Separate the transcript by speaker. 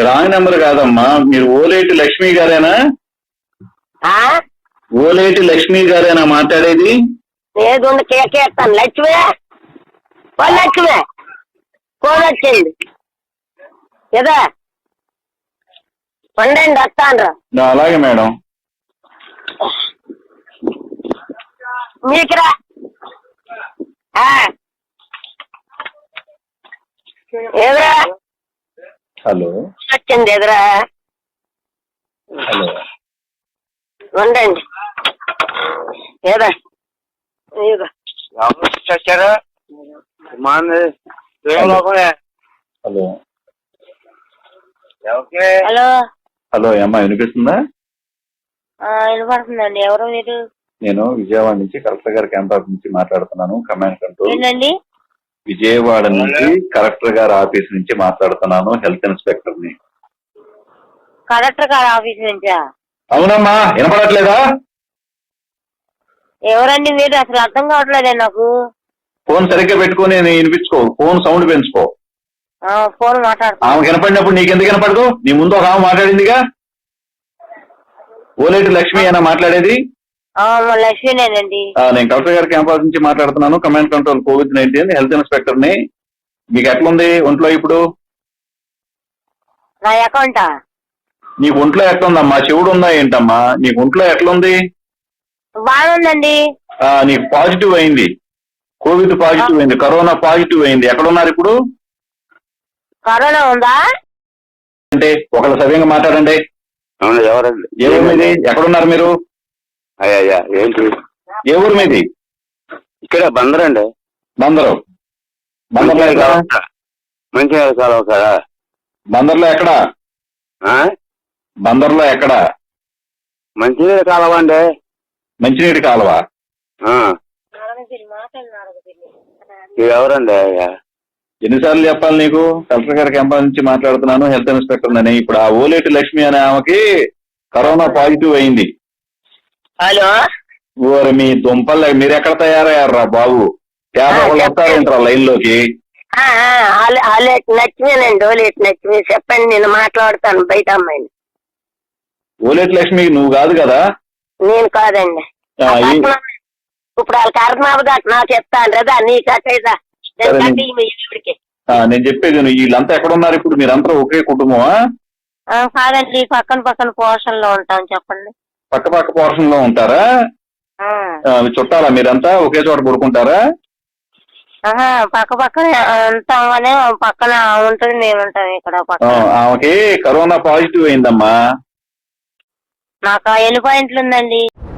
Speaker 1: Wrong number కాదమ్మా. మీరు ఓలేటి లక్ష్మి గారేనా? ఓలేటి లక్ష్మి గారేనా మాట్లాడేది?
Speaker 2: ఏదుండి కేకేస్తాను. లక్ష్మి లక్ష్మి ఫోన్ వచ్చింది కదా, ఉండండి వస్తాను.
Speaker 1: అలాగే మేడం.
Speaker 2: మీకురా ఎదురా
Speaker 1: హలో
Speaker 2: వచ్చింది ఎదురా.
Speaker 1: హలో
Speaker 2: ఉండండి ఏదా
Speaker 3: చచ్చారా?
Speaker 1: హలో
Speaker 2: హలో
Speaker 1: హలో అమ్మా, వినిపిస్తుందా?
Speaker 2: వినపడుతుందండి. ఎవరు మీరు?
Speaker 1: నేను విజయవాడ నుంచి కలెక్టర్ గారి క్యాంప్ ఆఫీస్ నుంచి మాట్లాడుతున్నాను. Command control.
Speaker 2: ఏంటండి?
Speaker 1: విజయవాడ నుంచి కలెక్టర్ గారి ఆఫీస్ నుంచి మాట్లాడుతున్నాను. హెల్త్ ఇన్స్పెక్టర్ ని.
Speaker 2: కలెక్టర్ గారి ఆఫీస్ నుంచా?
Speaker 1: అవునమ్మా, వినపడట్లేదా?
Speaker 2: ఎవరండి మీరు? అసలు అర్థం కావట్లేదే నాకు.
Speaker 1: ఫోన్ సరిగ్గా పెట్టుకుని వినిపించుకో. ఫోన్ సౌండ్ పెంచుకో.
Speaker 2: ఫోన్ మాట్లాడుతున్నా.
Speaker 1: ఆమె వినపడినప్పుడు నీకెందుకు వినపడదు? నీ ముందు ఒక ఆమె మాట్లాడిందిగా. ఓలేటి లక్ష్మి అయినా మాట్లాడేది?
Speaker 2: లక్ష్మీనేనండి.
Speaker 1: నేను కలెక్టర్ గారి క్యాంపస్ నుంచి మాట్లాడుతున్నాను. Command control COVID-19 health inspector ని. మీకు ఎట్లుంది ఒంట్లో ఇప్పుడు?
Speaker 2: నా అకౌంటా?
Speaker 1: నీకు ఒంట్లో ఎట్లుందమ్మా? చెవుడు ఉందా ఏంటమ్మా? నీకు ఒంట్లో ఎట్లుంది?
Speaker 2: బాగుందండి.
Speaker 1: నీకు పాజిటివ్ అయింది. కోవిడ్ పాజిటివ్ అయింది. కరోనా పాజిటివ్ అయింది. ఎక్కడున్నారు ఇప్పుడు?
Speaker 2: కరోనా ఉందా
Speaker 1: అంటే ఒకళ్ళు సవ్యంగా మాట్లాడండి.
Speaker 3: ఎవరండి?
Speaker 1: ఏ ఊరు మీది? ఎక్కడున్నారు మీరు?
Speaker 3: అయ్యా ఏంటి?
Speaker 1: ఏ ఊరు మీది?
Speaker 3: ఇక్కడ బందరండి.
Speaker 1: బందరు. బందర్లో ఎక్కడ?
Speaker 3: మంచిర్యాల కాలువ కదా.
Speaker 1: బందర్లో ఎక్కడ? బందర్లో ఎక్కడ?
Speaker 3: మంచినీళ్ళ కాలువ అండి.
Speaker 1: మంచినీటి కాలువ.
Speaker 3: ఎవరండి అయ్యా?
Speaker 1: ఎన్నిసార్లు చెప్పాలి నీకు? కలెక్టర్ గారి క్యాంపస్ నుంచి మాట్లాడుతున్నాను. హెల్త్ ఇన్స్పెక్టర్ అని. ఇప్పుడు ఆ ఓలేటి లక్ష్మి అనే ఆమెకి కరోనా పాజిటివ్ అయింది.
Speaker 2: హలో
Speaker 1: ఓరి మీ దుంపల్, మీరు ఎక్కడ తయారయ్యారా బాబు? వాళ్ళు వస్తారేంట్రా లైన్ లోకి?
Speaker 2: లక్ష్మీనండి. ఓలేటి లక్ష్మి చెప్పండి, నేను మాట్లాడతాను బయట అమ్మాయిని.
Speaker 1: ఓలేటి లక్ష్మి నువ్వు కాదు కదా?
Speaker 2: నేను కాదండి. ఇప్పుడు వాళ్ళ కర్మాబు నాకు చెప్తాను కదా, నీ కట్టేదా
Speaker 1: నేను చెప్పేది వీళ్ళంతా ఎక్కడ ఉన్నారు ఇప్పుడు? మీరంతా ఒకే కుటుంబమా?
Speaker 2: కాదండి, పక్కన పోర్షన్ లో ఉంటాం. చెప్పండి.
Speaker 1: పక్క పోర్షన్ లో ఉంటారా? చుట్టాలా మీరంతా? ఒకే చోట పడుకుంటారా?
Speaker 2: పక్కన ఉంటాం కానీ పక్కన ఉంటుంది, మేము ఉంటాం ఇక్కడ.
Speaker 1: ఆమెకి కరోనా పాజిటివ్ అయిందమ్మా.
Speaker 2: నాకు ఎన్ని పాయింట్లు ఉందండి?